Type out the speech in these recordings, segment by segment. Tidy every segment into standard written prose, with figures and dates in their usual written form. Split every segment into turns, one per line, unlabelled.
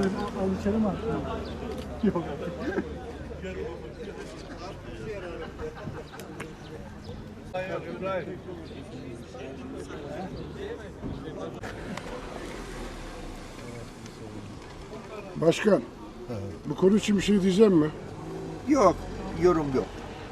Alışalım mı? Yok.
Başkan, bu konu için bir şey diyeceğim mi?
Yok, yorum yok.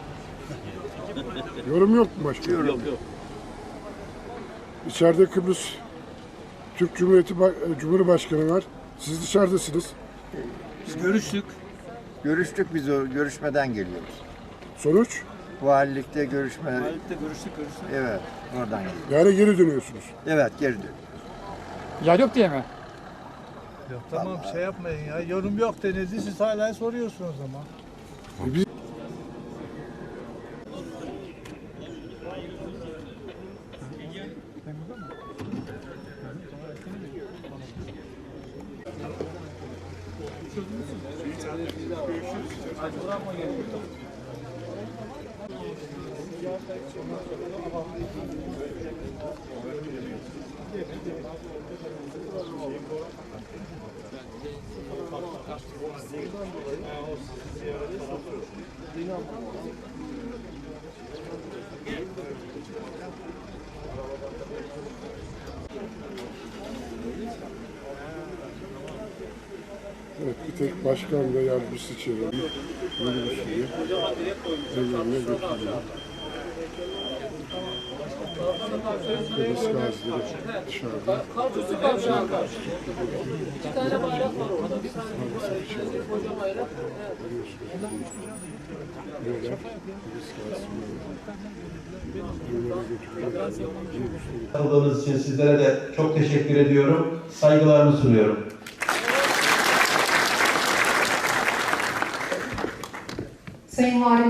Yorum yok mu başkan?
Yorum
Yok.
İçeride Kıbrıs Türk Cumhurbaşkanı var. Siz dışarıdasınız.
Biz görüştük.
Görüştük, biz o görüşmeden geliyoruz.
Sonuç?
Valilikte görüşme,
Halik'te görüştük.
evet, oradan geliyoruz.
Yani geri dönüyorsunuz.
Evet, geri dön.
Yer yok diye mi?
Yok tamam şey yapmayın ya. Yorum yok denizli siz hala soruyorsunuz ama.
Biz evet, bir tek başkan ve yardımcısı çevirdi. Minibüsünü evlerine götürüyor. Kıbrıs gazileri dışarıda.
İki tane bayrak var orada. Bir tane koca bayrak.
Katıldığınız için sizlere de çok teşekkür ediyorum. Saygılarımı sunuyorum.
Sayın Valim